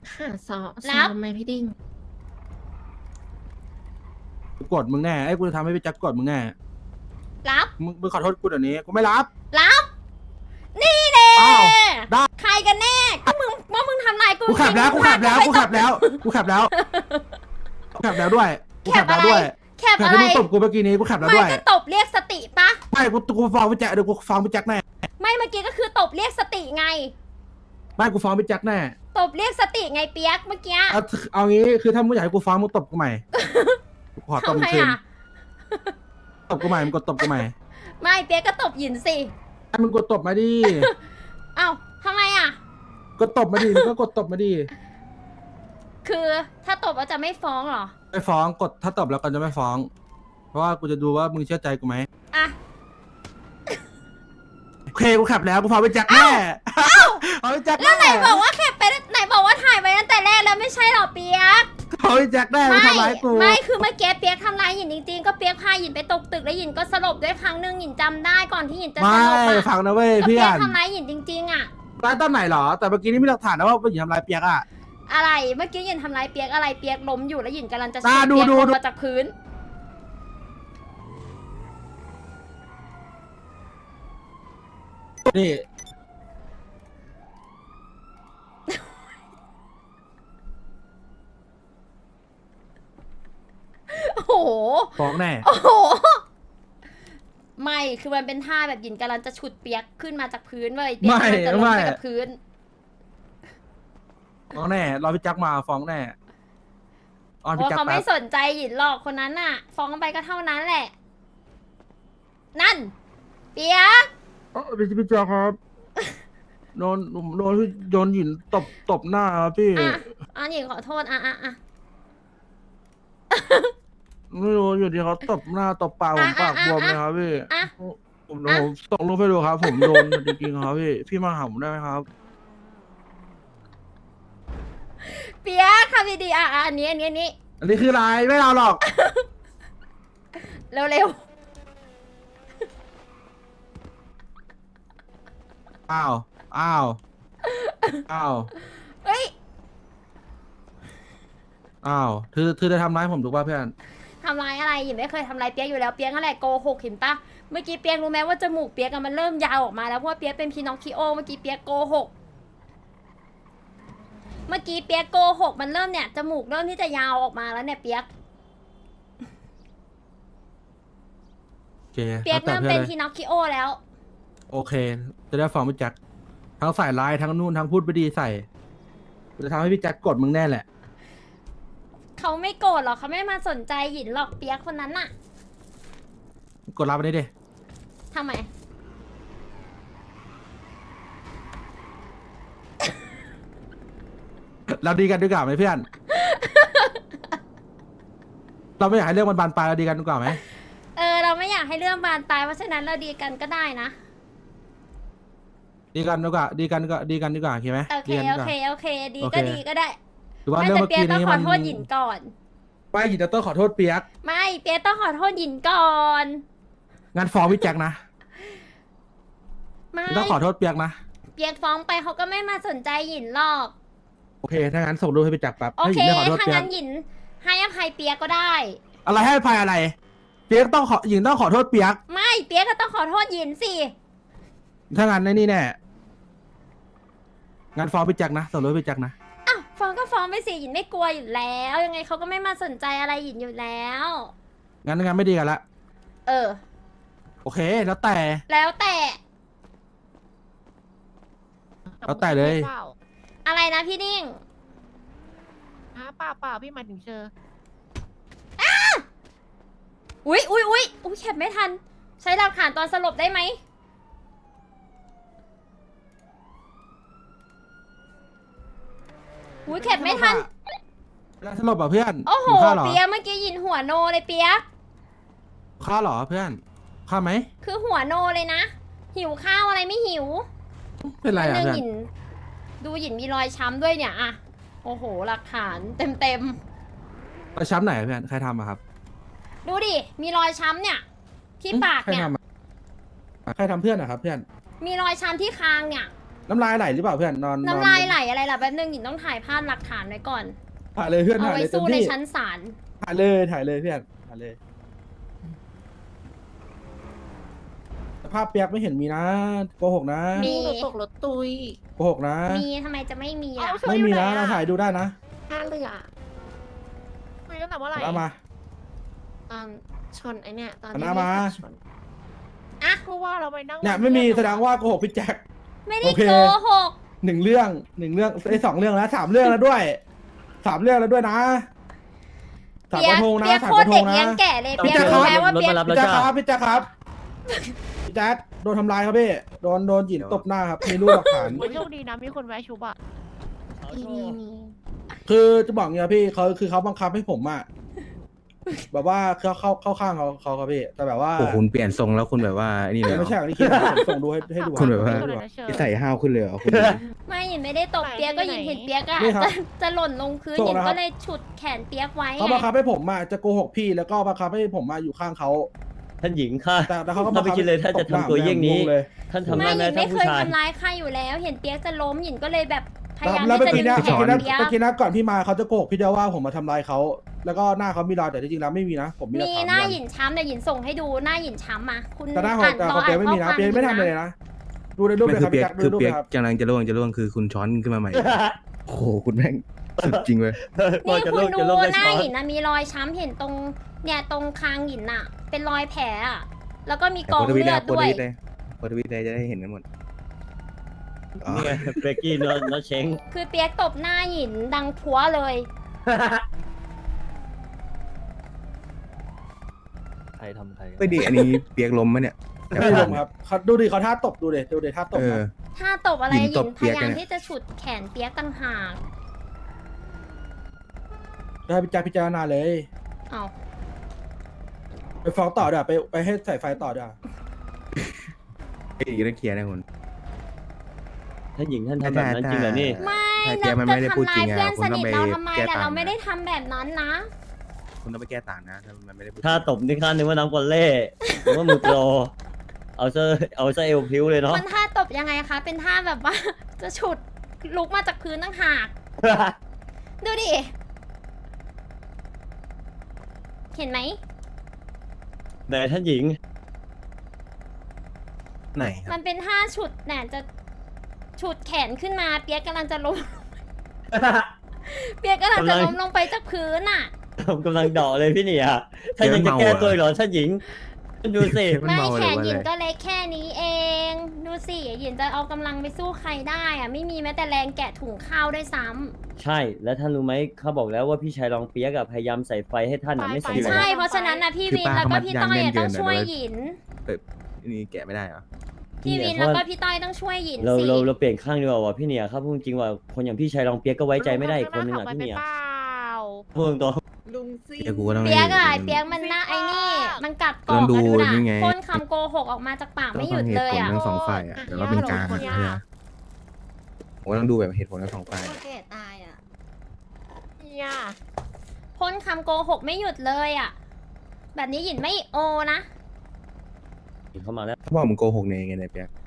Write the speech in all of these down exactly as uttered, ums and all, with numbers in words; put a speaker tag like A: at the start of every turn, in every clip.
A: ค่ะซ้อม
B: รั
A: ซ้อบ มไหมพี่ดิ้ง
C: กูกดมึงแน่ไอ้ยกูจะทำให้พี่แจ็คกดมึงแน่
B: รับ
C: มึงมึงขอโทษกูเดี๋ยวนี้กูไม่รับ
B: รับ นี่เด้
C: อ้าวได้
B: ใครกันแน่ก็มึงว่ามึงทำลายกู
C: กูขับแล้ว
B: จริ
C: กู
B: งๆ
C: ขับแล้ว
B: มึ
C: กู
B: ง
C: ขับแล้วกูขับแล้วกูขับแล้วด้วยกู
B: แค
C: ขั
B: บบ
C: แล้
B: อะ
C: ว
B: ไร
C: ด้วย
B: แคบ
C: แต่
B: อะไร
C: ที่มึงตบกูเมื่อกี้นี้กูขับแล้ว
B: ไม่
C: ด้วย
B: ก็ตบเรียกสติปะ
C: ไม่กูกูฟ้องพี่แจ็คเดี๋ยวกูฟ้องพี่แจ็คแน่
B: ไม่เมื่อกี้ก็คือตบเรียกสติไง
C: ไม่กูฟ้องพี่แจ็คแน่
B: ตบเรียกสติไงเปียกเมื่อกี้
C: เอาเอางี้คือถ้ามึงอยากให้กูฟ้องมึงตบกูใหม่กูขอตบ
B: ทำ
C: มึ
B: ไม
C: งคืน
B: อ่ะ
C: ตบกูใหม่มึงกดตบกูใหม่
B: ไม่เปียกก็ตบหยินสิ
C: ให้มึงกดตบมาดิ
B: เอ้าทำไมอ่ะ
C: กดตบมาดิมึงก็กดตบมาดิ
B: คือถ้าตบแล้วจะไม่ฟ้องเหรอ
C: ไม่ฟ้องกดถ้าตบแล้วกันจะไม่ฟ้อง เพราะว่ากูจะดูว่ามึงเชื่อใจกูไหม
B: อ่ะ
C: โอเคกูขับแล้วกูฟ้องพี่แจ็คแน่เอาพี่แจ็ค
B: แล้วไหน
C: แน่
B: บอกว่าแคปไปไหนบอกว่าถ่ายไปตั้งแต่แรกแล้วไม่ใช่เหรอเปียก
C: เอาพี่แจ็คแน่มาทำร้ายกู
B: ไม่คือเมื่อกี้เปียกทำร้ายหยินจริงๆก็เปียกพาหยินไปตกตึกแล้วหยินก็สลบด้วยครั้งหนึ่งหยินจำได้ก่อนที่หยินจะส
C: ไม่
B: ลบอ่ะ
C: ฟังนะเว้ย
B: ก็
C: เพื่
B: เปี
C: อย
B: ก
C: น
B: ทำร้ายหยินจริงๆอ่ะ
C: ร้ายตอนไหนเหรอ แต่เมื่อกี้นี่มีหลักฐานนะว่าผู้หญิงทำร้ายเปียกอะ
B: อะไรเมื่อกี้หยินทำร้ายเปียกอะไรเปียกล้มอยู่แล้วหยินกำลังจะ
C: อ่า
B: ฉุด
C: ดู
B: เปียก
C: ดู
B: ลง
C: ดู
B: มาจากพื้น
C: นี่
B: โอ้โห
C: ฟ้องแน่
B: โอ้โหไม่คือมันเป็นท่าแบบหยินกำลังจะฉุดเปียกขึ้นมาจากพื้นเว้ยเปียก
C: ไม่
B: กำลังจะลง
C: ไม่
B: ไปกับพื้น
C: ฟ้องแน่รอพี่แจ็คมาฟ้องแน่ออน
B: เพ
C: พี่
B: ราะ
C: แจ็ค
B: เขา
C: แป๊
B: ไม่
C: บ
B: สนใจหยินหรอกคนนั้นน่ะ ฟ้องไปก็เท่านั้นแหละ นั่น เปียก
C: เออพี่พี่แจ็คครับโดนโดนโดนหยินตบตบหน้าครับพี่
B: อ่ะอันหญิงขอโทษอ่ะอ่ะอ่ะ
C: ไม่รู้อยู่ดีเขาตบหน้าตบปากผม
B: อ่ะ
C: ปาก
B: อ่ะ
C: บวม
B: อ่ะ
C: เลยครับพี่
B: อ่ะ
C: ผมเดี๋ยวผมส่งรูปให้ดูครับ ผมโดนจริงๆครับพี่พี่มาหาผมได้ไหมครับ
B: เปียกทำดีๆอ่ะอ่ะอันนี้อันนี้อันนี้
C: อันนี้คืออะไรไม่เอาหรอก
B: เร็วเร็ว
C: อ้าวอ้าวอ้าว
B: เฮ้ย
C: อ้าวเธอเธอจะทำร้ายผมถูกป่ะเพื่อน
B: ทำร้ายอะไรหญิงไม่เคยทำร้ายเปียกอยู่แล้วเปียกนั่นแหละโกหกเห็นปะเมื่อกี้เปียกรู้ไหมว่าจมูกเปียกอะมันเริ่มยาวออกมาแล้วเพราะว่าเปียกเป็นพีนอคคิโอเมื่อกี้เปียกโกหกเมื่อกี้เปียกโกหกมันเริ่มเนี่ยจมูกเริ่มที่จะยาวออกมาแล้วเนี่ยเปียก
C: โอเค
B: เปียก
C: แล้ว
B: เริ่ม
C: แต่
B: เป็น
C: พื่อ
B: พี
C: ลย
B: นอคคิโอแล้ว
C: โอเค จะได้ฟังพี่แจ็คทั้งใส่ร้ายทั้งนู่นทั้งพูดไม่ดีใส่จะทำให้พี่แจ็คกดมึงแน่แหละ
B: เขาไม่โกรธหรอกเขาไม่มาสนใจหยินหรอกเปียกคนนั้นน่ะ
C: กดรับไปได้ดิ
B: ทำไม
C: เราดีกันดีกว่าไหมเพื่อน เราไม่อยากให้เรื่องมันบานปลายเราดีกันดีกว่าไหม
B: เออเราไม่อยากให้เรื่องบานปลายเพราะฉะนั้นเราดีกันก็ได้นะ
C: ดีกันดีกว่าดีกันก็ดีกันดีกว่าโอเคไหม
B: โอเค
C: ดีกันดี
B: โอก
C: ว่า
B: เคโอเค ดี
C: โอเค
B: ก็ดีก็ได้
C: หรือว่า
B: ไม่
C: เรื่อง
B: แต่
C: เมื่อ
B: เปียก
C: กี้
B: ต้อง
C: นี้
B: ขอ
C: มัน
B: โทษหยินก่อน
C: ไม่หยินจะต้องขอโทษเปียก
B: ไม่เปียกต้องขอโทษหยินก่อน
C: งั้นฟ้องพี่แจ็คนะ
B: ไม่
C: ต้องขอโทษเปียกนะ
B: เปียกฟ้องไปเขาก็ไม่มาสนใจหยินหรอก
C: โอเคถ้างั้นส่งรูปให้พี่แจ็คแป๊บ
B: โอ
C: ให้ห
B: เค
C: ยินได้ขอโทษ
B: ถ้า
C: เปียก
B: งั้นหยินให้อภัยเปียกก็ได้
C: อะไรให้อภัยอะไร เปียกต้องขอหญิงต้องขอโทษเปียก
B: ไม่เปียกก็ต้องขอโทษหยินสิ
C: ถ้างั้นในนี่แน่งั้นฟ้องพี่แจ็คนะส่งรูปให้พี่แจ็คนะ
B: อ้าวฟ้องก็ฟ้องไปสิหยินไม่กลัวอยู่แล้ว ยังไงเขาก็ไม่มาสนใจอะไรหยินอยู่แล้ว
C: งั้นงั้นไม่ดีกันละ
B: เออ
C: โอเค แล้วแต่
B: แล้วแต่
C: แล้วแต่เลย
A: เปล่า
B: อะไรนะพี่นิ่ง
A: ฮะเปล่าเปล่าพี่หมายถึงเชอ
B: อุ๊ยอุ๊ยอุ๊ยอุ๊ยแคปไม่ทัน ใช้หลักฐานตอนสลบได้ไหมอุ๊ยแคปไม่ทัน
C: เวลาสลบอ่ะเพื่อน
B: โอ้โห
C: หิวข้าวเหรอ
B: เปียกเมื่อกี้หยินหัวโนเลยเปียก
C: ข้าวเหรอเพื่อนข้าวไหม
B: คือหัวโนเลยนะ หิวข้าวอะไรไม่หิว
C: เป็นไรอ่ะ
B: หนึ่ง
C: เพื่อน
B: หยินดูหยินมีรอยช้ำด้วยเนี่ยอะโอ้โห หลักฐานเต็มเต็ม
C: ไปช้ำไหนอะเพื่อนใครทำอะครับ
B: ๆดูดิ มีรอยช้ำเนี่ย ที่ปาก
C: ใคร
B: เนี่ย
C: ทำอะใครทำเพื่อนอะครับเพื่อน
B: มีรอยช้ำที่คางเนี่ย
C: น้ำลายไหลหรือเปล่าเพื่อนนอน
B: น้ำลายไหลอะไรล่ะแป๊บนึงหญิงต้องถ่ายภาพหลักฐานไว้ก่อน
C: ถ่ายเลยเพื่อน
B: เอา
C: ถ่าย
B: ไว้
C: เลยเต็ม
B: สู้ใน
C: ที่
B: ชั้นศาล
C: ถ่ายเลยถ่ายเลยเพื่อนถ่ายเลยสภาพเปียกไม่เห็นมีนะโกหกนะ
B: มี
A: หนูตกรถตุย
C: โกหกนะ
B: มีทำไมจะไม่มีล่ะ
A: เอา
C: ไม่มีนะเราถ่ายดูได้นะ
A: ท่าเรือคุยตั้งแต่เมื่อไหร่
C: เอามา
A: ตอนชนไอเนี่ยตอน
C: เอาหน้ามา
A: ชน
B: อ่ะ
A: ก็ว่าเราไปนั่ง
C: เนี่ยไม่มีแสดงว่าโกหกพี่แจ็ค
B: ไม่ได้
C: โอเค
B: โกหก
C: หนึ่งเรื่องหนึ่งเรื่องไอ้ยสองเรื่องแล้วสามเรื่องแล้วด้วยสามเรื่องแล้วด้วยนะสาม
B: เปี
C: ก
B: ย
C: ระ
B: ก
C: ทงนะ
B: เปียก
C: สาม
B: โค
C: ก
B: ตร
C: ระท
B: เด็
C: ง
B: ก
C: นะ
B: เลี้ยงแก่เลย
C: พี่
B: เปียก
C: แจ็ค
B: รู้ไหม
C: ครับ
B: ว่าเปียก
D: รถมารับ
C: พี่แจ็คครับพี่แจ็คครับพี่แจ็คโดนทำร้ายครับพี่โดนโดนหยินตบหน้าครับมีรูปหลักฐาน
A: โอ้ยโชคดีนะมีคนแวะชุบอ่ะมีมีมี
C: คือจะบอกเนี่ยพี่เขาคือเขาบังคับให้ผมอะแบบว่าเขาเข้าเข้าข้างเขาเขาครับพี่แต่แบบว่า
E: โอ้คุณเปลี่ยนทรงแล้วคุณแบบว่านี่เลยเหรอ
C: ไม่ใช่อย่างที่คิดนะผมส่งดูให้ให้ดู
E: คุณแบบว่า
A: ไม่เป็นไรนะเชิญ
E: ที่ใส่ห้าวขึ้นเลยเหรอคุณ
B: ไม่หญิงไม่ได้ตบเปียกก็หญิงเห็นเปียกอะ
C: นี่ครับ
B: จะจะหล่นลงพื้น
C: ส่ง
B: หญิง
C: นะครับ
B: ก็เลยฉุดแขนเปียกไว้
C: เขา
B: ไง
C: บังคับให้ผมอะจะโกหกพี่แล้วก็บังคับให้ผมมาอยู่ข้างเขา
D: ท่านหญิงค่ะ
C: แต่แต่เขาก็
D: ถ้าไม่คิดเลยถ้าจะทำตัวเยี่ยงนี้
C: ตบหาผมเลย
D: ท่านทำ
B: ไม่
D: ได้ไหม
B: หญิง
D: ท่า
B: ไม่
D: น
B: เค
D: ผู้
B: ย
D: ชาย
B: ทำร้ายใครอยู่แล้ว เห็นเปียกจะล้มหญิงก็เลยแบบพยายาม
C: แล้ว
B: ที่
C: เมื่อ
B: จะ
C: กี้
B: ดึ
C: นะ
B: งแข
C: เมื่อกี้
B: น
C: นะ
B: เปียก
C: เมื่อกี้นะก่อนพี่มาเขาจะโกหกพี่เดียวว่าผมมาทำร้ายเขาแล้วก็หน้าเขามีรอยแต่ที่จริงแล้วไม่มีนะ ผมมีหลัก
B: มี
C: ฐาน
B: หน้า
C: ยัน
B: หยินช้ำเดี๋ยวหยินส่งให้ดูหน้าหยินช้ำมาคุณ
C: แต่หน้าของ
B: อ่าน
C: แต่
B: ร
C: ข
B: อ
C: องเปีย
B: อ่าก น
C: ไม่
B: ข้อ
C: มีนะ
B: ความ
C: เปียกไม่ทำเลยนะดูในรูป
E: ไม่
C: เลย
E: คื
C: ค
E: อ
C: รับ
E: เปียก
C: พี่แจ็คดู
E: คือ
C: ในรูป
E: เปียก
C: เลยครับ
E: กำลังจะล่วงจะล่วงคือคุณช้อนขึ้นมาใหม่ โอ้โหคุณแม่งสุดจริงเว้ย
D: ก่อน
B: นี่
D: จะ
B: คุ
D: ล
B: ณ
D: ง
B: ดู
D: จะลงได้
B: หน้า
D: ช้อน
B: หยินนะมีรอยช้ำเห็นตรงเนี่ยตรงคางหยินน่ะ เป็นรอยแผลอะแล้วก็มี
E: แต่
B: กอง
E: โพสต์ทวิต
B: เลื
E: ได้
B: อด
E: โพส
B: ด้วย
E: ต์ทวิตได้โพสต์ทวิตได้จะได้เห็นกันหมดอ๋อ
D: นี่ไงเบรกกี้เนาะเนาะเช้ง
B: คือเปียกตบหน้าหยินดังพัวเลย
D: ใครทำใคร
E: ไม่ดีอันนี้เปียกล้มมะเนี่ย
C: ไม่ได้ลงครับเขาดูดิเขาท่าตบดูดิดูดิท่าตบ
E: เอ
C: ค
E: อ
C: รับ
B: ถ้าตบอะไร
E: หยิ
B: ห
E: น
B: ยิ
E: ต
B: น
E: บ
B: พ
E: เปียก
B: ยายาม
E: เนี่ย
B: ที่จะฉุดแขนเปียกต่างหาก
C: ได้พิจารพิจารณาเลย
B: เอา
C: ไปฟ้องต่อเดี๋ยวไปไปให้ใส่ไฟต่อเดี๋ยว
E: ไอ้อีกต้องเคลียร์นะคุณ
D: ท่านหญิงท่านทำแบบนั้นจริงเหรอนี่
B: ไม่
E: ถ้า
B: เรา
E: แกมัน
B: จะ
E: ไม่ได้พูด
B: ทำ
E: จ
B: ลา
E: ริ
B: ย
E: งอะ
B: เพื่อนสนิท
E: คุณ
B: เรา
E: ต้องไป
B: ทำไม
E: แก้
B: แต่
E: ต่าง
B: เราไม่ได้ทำแบบนั้นนะ
E: คุณต้องไปแก้ต่างนะถ้ามันไม่ได้พูด
D: ถ้าตบนี่ข้านึกว่าน้ำกอลเล่หรือว่ามือโปรเอาซะเอาซะเอวพริ้วเลยเนาะ
B: มันท่าตบยังไงคะ เป็นท่าแบบว่า จะฉุดลุกมาจากพื้นตั้งหาก ดูดิ เห็นไหม
D: ไหนท่านหญิง
E: ไหนค
B: มั
E: รับ
B: นเป็นท่าฉุดแหนจะฉุดแขนขึ้นมา เปียกกำลังจะล้ม เปียกกำลังจะล้มลงไปจากพื้นอ่ะ
D: ผมกำลังเดาะเลยพี่เนี่ยท่านยังจะแก้ตัวอีกเหรอท่านหญิงดูสิ
E: เปียกมัน
B: ไม่
E: เมาห
B: แข
E: รือน ว่า
B: หยิน
E: อะไร
B: ก็เล็กแค่นี้เอง ดูสิหยินจะเอากำลังไปสู้ใครได้อ่ะ ไม่มีแม้แต่แรงแกะถุงข้าวด้วยซ้ำ
D: ใช่แล้วท่านรู้ไหมเขาบอกแล้วว่าพี่ชายรองเปียกอะพยายามใส่ไฟให้ท่านอะไม่สำเร็จ
B: ใช่ เพราะฉะนั้นนะพี่วินแล้วก็พี่ต้อยอะต้องช่วยหยิน
E: นี่แกะไม่ได้เหรอ
B: พี่วินแล้วก็พี่ต้อยต้องช่วยหยิน
D: เรา
B: สิ
D: เราเราเปลี่ยนข้างดีกว่าว่ะพี่เนี่ยครับพูดจริงว่าคนอย่างพี่ชายรองเปียกก็ไว้ใจไม่ได้อีกคนนึงอะพี่เนี่ย
A: เปล่า
D: พูดตรง
A: ลุงซี่
E: เปียกกูก็ต้อง
B: เปียกอะ
E: ให้
B: เปียกมันน่าไอ้นี่ มันกัดก
E: ต้
B: อ
E: อก งดู
B: อะดูนะ
E: นี่ไง
B: พ่นคำโกหกออกมาจากปาก
E: ก็
B: ไม่ห
E: ต้
B: ยุ
E: อง
B: ด
E: เห
B: เล
E: ตุ
B: ย
E: ผล
B: อะ
E: ทั้งสองฝ่ายอะแต่ว่าเป็นกลางอะใช่ไหมผมก็ต้องดูแบบเหตุผลทั้งสองฝ่าย
F: แก่ตายอ่ะ
A: เนี่ย
B: พ่นคำโกหกไม่หยุดเลยอะแบบนี้หยินไม่โอนะ
D: ๆเข้ามาแล้ว
E: เขาบอกมึงโกหกในไงเนี่ยเปียก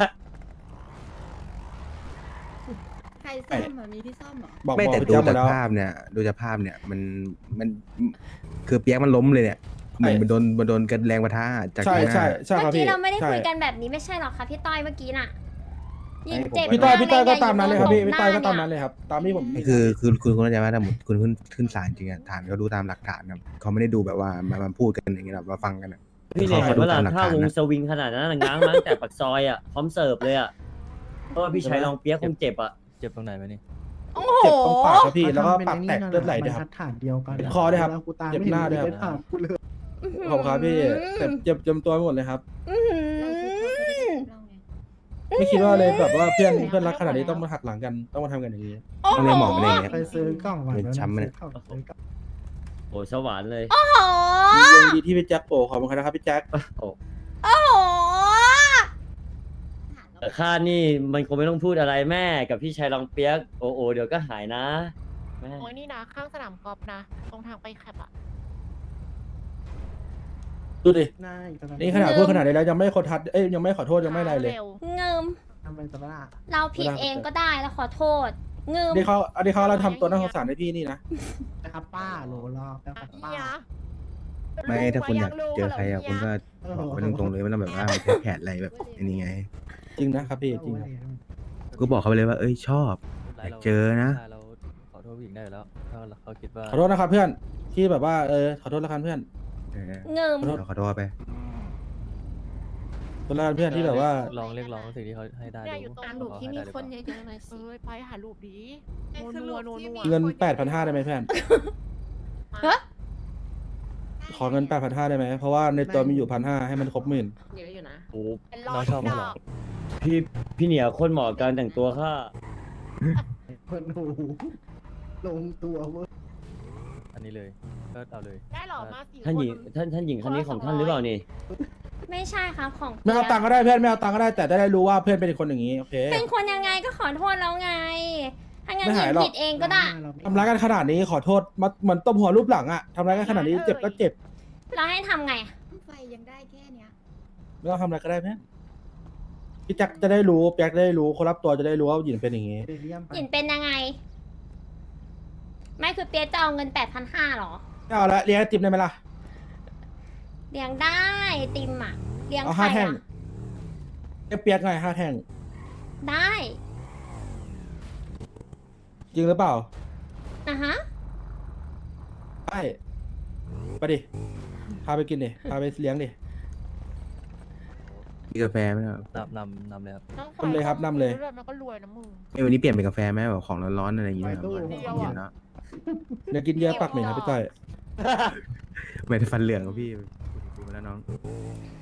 F: ใครซ่อมอ่ะมีที่ซ่อมเหรอ
C: บอก
E: ไม่
C: บอก
E: แต่
C: พี่
E: ดู
C: แจ็คหม
E: จา
C: ด
E: ก
C: แล้ว
E: ภาพเนี่ยดูจากภาพเนี่ยมันมันคือเปียกมันล้มเลยเนี่ยเหมือนมันโดนมันโดนกันแรงประทะจาก
C: ใช่
E: ข้างหน้า
C: ใช่ใช่ค
B: เมื่
C: รั
B: อบ กี้
C: พี่
B: เราไม่ได้
C: ใช่
B: คุยกันแบบนี้ไม่ใช่หรอคะพี่ต้อยเมื่อกี้น่ะหยินเจ็บ
C: พี่ต้อย
B: มาก
C: พี่ต้อยก็
B: เย
C: ตามนั้นเลยครับพี่
B: ห
C: พี่ต้อยก็
B: ห
C: ตามนั้นเลยครับตามที่ผม
E: นี่คือคือคือคุณเข้าใจไหมถ้าหมดคุณขึ้นขึ้นศาลจริงอะฐานเขาดูตามหลักฐานครับเขาไม่ได้ดูแบบว่ามามาพูดกันอย่างเงี้ยแบบมาฟังกันอะ
D: พี่เนี่ย
E: เขา
D: เห็น
E: ดู
D: ว่า
E: ตามหลัก
D: ถ้า
E: ฐาน
D: วง
E: นะ
D: สวิงขนาดนั้นนะง้างมาตั้งแต่ปากซอยอะพร้อมเสิร์ฟเลยอะเพราะว่าพี่ชายรองเปียกคงเจ็บอะ
G: เจ็บตรงไหนไหมนี่
B: โอ้โห
C: เจ็บตรงปากครับพี่แล้วก็ปากแตกเลือดไหลด้วยครับ
H: บรรทัดฐานเดียวกัน
C: คอด้วยครับ
H: แล้วกูตาม
C: เจ็บ
H: ไม่
C: หน้าด้วยครับ
H: ไปถามกูเลย
C: ขอบคุณครับพี่เจ็บเจ็บเจ็บตัวไปหมดเลยครับ
B: อื้อหือ
C: ไม่คิดว่าเลยแบบว่าเพื่อนเพื่อนรักขนาดนี้ต้องมาหักหลังกันต้องมาทำกันอย่างนี้
B: โอ้
E: ต้อง
B: โห
E: เรียกหมอมาเลยเนี่ย
H: ไปซื้อกล่องหวาน
E: เป็นช้ำไหมเนี่ย
H: ซื้อกล่องซื้อกล่อง
D: โอ้สวรรค์เลย
B: โอ้โห
C: ยินดีที่พี่แจ็คโอ้ขอบคุณครับพี่แจ็ค
D: โอ้
B: โอ้โห
D: แต่ข้านี่มันคงไม่ต้องพูดอะไรแม่กับพี่ชายรองเปียกโอ้โอเดี๋ยวก็หายนะแม่
A: โอ้ยนี่นะข้างสนามกอล์ฟนะ ตรงทางไปแคปอะ
C: ดูดิ
H: ได้ตอนนั้น
C: นี่ขนาดพูดขนาดนี้แล้วยังไม่ขอทัดเอ้ยยังไม่ขอโทษยังไม่อะไรเลย
A: ร็ว
B: เงิม
H: ท
G: ทำไมตะบ้า
B: เราผิดเองก็ได้แล้วขอโทษงืม
C: อันนี้เขาอันนี้เขาเราทำตัวน่าสงสารให้พี่นี่นะ
G: นะครับป้าโหลรอแป๊บครับป้า
A: เฮีย
E: ไม่ถ้าคุณอยากเจอใครอะคุณก็
G: เออ
E: บอกไปตรงๆเลยไม่ต้องแบบว่าไปแพ้แผนอะไรแบบอันนี้ไง
C: จริงนะครับพี่จริงครับ
E: ก็บอกเขาไปเลยว่าเอ้ยชอบอยากเจอนะ
H: เราขอโทษผู้หญิงได้อยู่แล้วถ้าเขาคิดว่า
C: ขอโทษนะครับเพื่อนที่แบบว่าเออขอโทษแล้วกันเพื่อน
E: เออ
B: งืม
E: เราขอโทษไป
C: ขอโทษแล้วกันเพื่อนที่แบบว่า
H: ลองเรียกร้องสิ่งที่เขาให้ได้
A: เนี่ย
H: ดู
A: อยู่ตรง
F: อ่านหลุมที่มีคนเยอะๆหน่อย
A: เอ
F: สิ
A: อไปหารูปดี
F: ไอ้
A: โน
F: คือรู
A: นัว
F: ป
A: โน
F: ที่
A: นัว
F: มี
C: เงินแปดพันห้าได้ไหมเพื่อน
B: ฮะ
C: ขอเงินแปดพันห้าได้ไหมเพราะว่าในตัวมีอยู่พันห้าให้มันครบหมื่น
A: เยอะอยู่นะ
D: โอ้
A: เป็นร้อ
H: น้อง
A: ย
H: ชอบ
A: ด
H: มั้ง
A: อ
H: เหรอก
D: พี่พี่เหนียวโคนเหมาะกับการแต่งตัวค่ะ
G: คนหูลงตัวเว้ย
H: อันนี้เลยก็เอาเลย
A: ได้หรอมาสี่
D: ท่านหญิง
A: คน
D: ท่านท่านหญิงคนนี้ของท่านหรือเปล่านี่
B: ไม่ใช่ครับของ
C: ไม่เอาตังค์ก็ได้เพื่อนไม่เอาตังค์ก็ได้แต่ได้รู้ว่าเพื่อนเป็นคนอย่างนี้โอเค
B: เป็นคนยังไงก็ขอโทษแล้วไง ถ้างั้น
C: ไม่
B: หญิ
C: หาย
B: ง
C: หรอก
B: ผิดเองก็ได้
C: ทำร้ายกันขนาดนี้ขอโทษมาเหมือนตบหัวรูปหลังอะทำร้ายกันขนาดนี้เจ็บก็เจ็บ
B: เราให้ทำไง
F: ไฟยังได้แค่เนี้ย
C: ไม่ต้องทำอะไรก็ได้เพื่อนพี่แจ็คจะได้รู้แจ็คจะได้รู้คนรับตัวจะได้รู้ว่าหยินเป็นอย่างนี้
G: เดเรียมไป
B: หญิงเป็นยังไง ไม่คือเปียกจะเอาเงินแปดพันห้าหรอ
C: ไม่เอาละเลี้ยงไอติมได้ไหมล่ะ
B: เลี้ยงได้ติมอ่ะเลี้ยง
C: เอา
B: ใคร
C: ห้าแท่ง
B: อ่ะ
C: เรียกเปียกไงห้าแท่ง
B: ได้
C: จริงหรือเปล่า
B: อ่ะฮะ
C: ได้ไปดิพาไปกินดิพาไปเลี้ยงดิ
E: มีกาแฟไหมครับ
H: นำนำนำเลยครับ
A: น้อง
C: นำเลยครับนำเลย
A: มันก็รวยนะมึง
E: เอ้ยวันนี้เปลี่ยนเป็นกาแฟไหมแบบของร้อนๆอะไรอย่างเงี้ยครับ
A: เดียว
E: เย็
A: อะ
E: นแล้ว
C: เดี๋ยวกินเยอะปากเหม็นครับพี่ก้อย
E: ไม่ได้ฟันเหลืองครับพี่ดูมาแล้วน้อง